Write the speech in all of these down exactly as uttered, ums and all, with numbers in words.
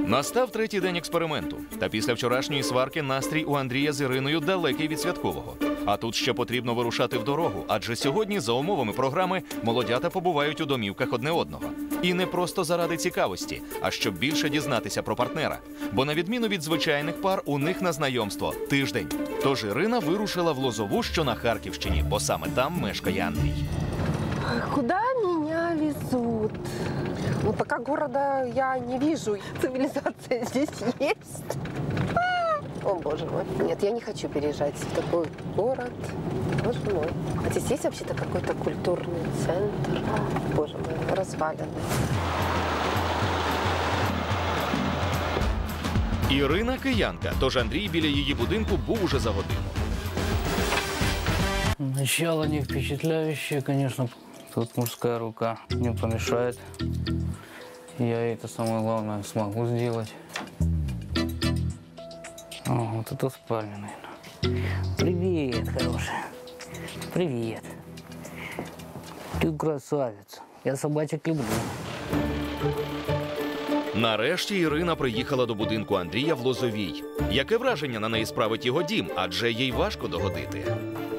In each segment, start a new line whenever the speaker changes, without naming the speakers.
Настав третій день експерименту. Та після вчорашньої сварки настрій у Андрія з Іриною далекий від святкового. А тут ще потрібно вирушати в дорогу, адже сьогодні, за умовами програми, молодята побувають у домівках одне одного. І не просто заради цікавості, а щоб більше дізнатися про партнера. Бо на відміну від звичайних пар, у них на знайомство тиждень. Тож Ірина вирушила в Лозову, що на Харківщині, бо саме там мешкає Андрій.
Куда меня везут? Ну, пока города я не вижу. Цивилизация здесь есть. О, боже мой. Нет, я не хочу переезжать в такой город. Боже мой. А здесь есть вообще-то какой-то культурный центр? Боже мой, разваленный.
Ірина киянка, тож Андрій біля її будинку був уже за годину.
Начало не впечатляющее, конечно. Тут мужская рука не помешает. Я это самое главное смогу сделать. О, вот это спальня, наверное. Привет, хорошая. Привет. Ты красавица. Я собачек люблю.
Нарешті Ірина приїхала до будинку Андрія в Лозовій. Яке враження на неї справить його дім, адже їй важко догодити?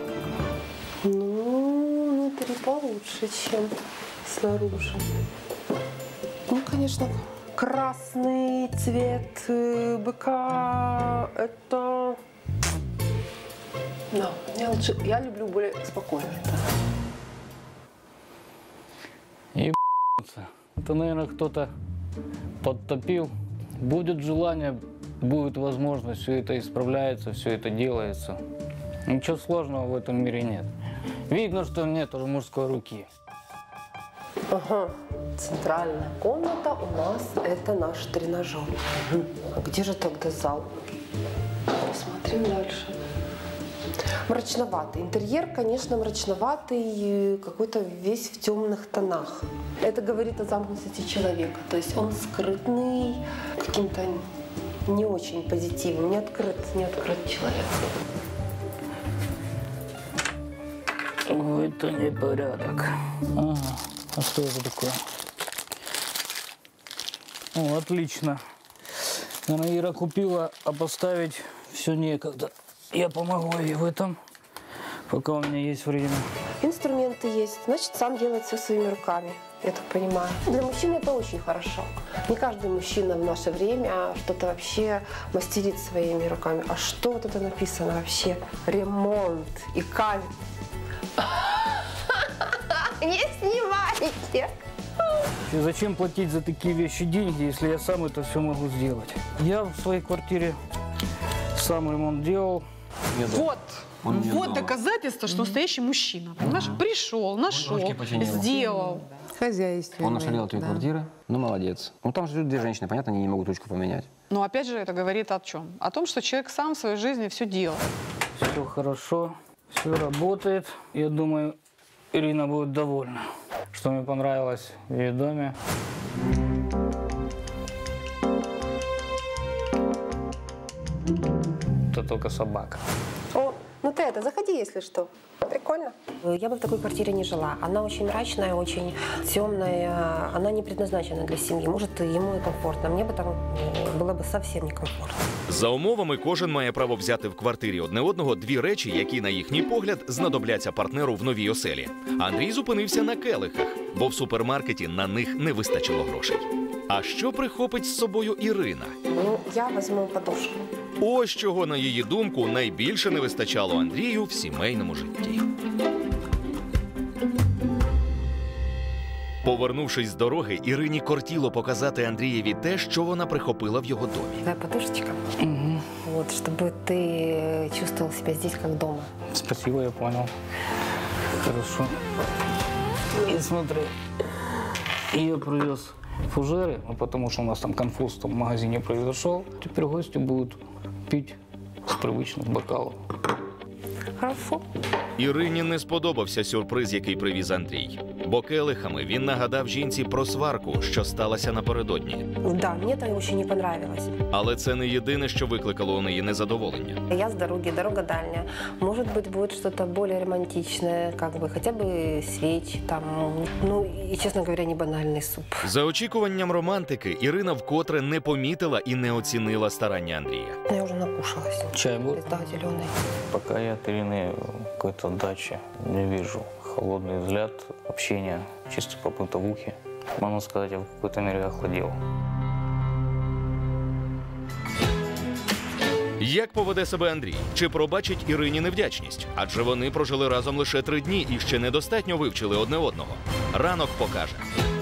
Ну, внутри получше, чем снаружи. Ну, конечно, красный цвет э, быка – это… Да, я, лучше, я люблю более спокойно.
Ебаться. Это, наверное, кто-то подтопил. Будет желание, будет возможность, все это исправляется, все это делается. Ничего сложного в этом мире нет. Видно, что нет уже мужской руки.
Ага. Центральная комната у нас – это наш тренажер. А где же тогда зал? Посмотрим дальше. Мрачноватый. Интерьер, конечно, мрачноватый, какой-то весь в темных тонах. Это говорит о замкнутости человека. То есть он скрытный, каким-то не очень позитивным, не открыт, не открыт человек.
О, это непорядок. Ага. А что это такое? О, отлично. Наверное, Ира купила, а поставить все некогда. Я помогу ей в этом, пока у меня есть время.
Инструменты есть, значит, сам делает все своими руками, я так понимаю. Для мужчины это очень хорошо. Не каждый мужчина в наше время что-то вообще мастерит своими руками. А что вот это написано вообще? Ремонт и камень. Не снимайте!
И зачем платить за такие вещи деньги, если я сам это все могу сделать? Я в своей квартире сам ремонт делал.
Вот, вот доказательство, что настоящий мужчина, понимаешь? Пришел, нашел, сделал.
Хозяйственный. Он нашарил твои
да.
квартиры, ну молодец. Ну там живут две женщины, понятно, они не могут ручку поменять.
Но опять же это говорит о чем? О том, что человек сам в своей жизни все делает.
Все хорошо, все работает. Я думаю, Ирина будет довольна, что мне понравилось в ее доме. Это только собака.
О, ну ты это, заходи, если что. Прикольно. Я бы в такой квартире не жила. Она очень мрачная, очень темная. Она не предназначена для семьи. Может, ему и комфортно. Мне бы там было бы совсем некомфортно.
За умовами, кожен має право взяти в квартирі одне одного дві речі, які, на їхній погляд, знадобляться партнеру в новій оселі. Андрій зупинився на келихах, бо в супермаркеті на них не вистачило грошей. А що прихопить з собою Ірина?
Ну, я возьму подушку.
Ось чого, на її думку, найбільше не вистачало Андрію в сімейному житті. Повернувшись з дороги, Ірині кортіло показати Андрієві те, що вона прихопила в його домі.
Дай подушечка.
Угу.
Вот, чтобы ты чувствовал себя здесь как дома.
Спасибо, я понял. Хорошо. И смотри, я привез фужеры, ну, потому что у нас там конфуз в магазине произошел. Теперь гости будут пить с привычных бокалов.
Хорошо.
Ірині не сподобався сюрприз, який привіз Андрій. Бо келихами він нагадав жінці про сварку, що сталася напередодні.
Да, мне это очень не понравилось.
Але це не єдине, що викликало у неї незадоволення.
Я с дороги, дорога дальняя. Может быть, будет что-то более романтичное, как бы хотя бы свечи там. Ну и, честно говоря, не банальный суп.
За очікуванням романтики Ірина вкотре не помітила і не оцінила старання Андрія.
Я уже накушалась.
Чай будет?
Да, зеленый.
Пока я от Ирины в какой-то даче не вижу холодный взгляд, общение чисто по бытовухе. Можно сказать, я в какой-то мере охладел.
Як поведе себе Андрій? Чи пробачить Ірині невдячність? Адже вони прожили разом лише три дні і ще недостатньо вивчили одне одного. Ранок покаже.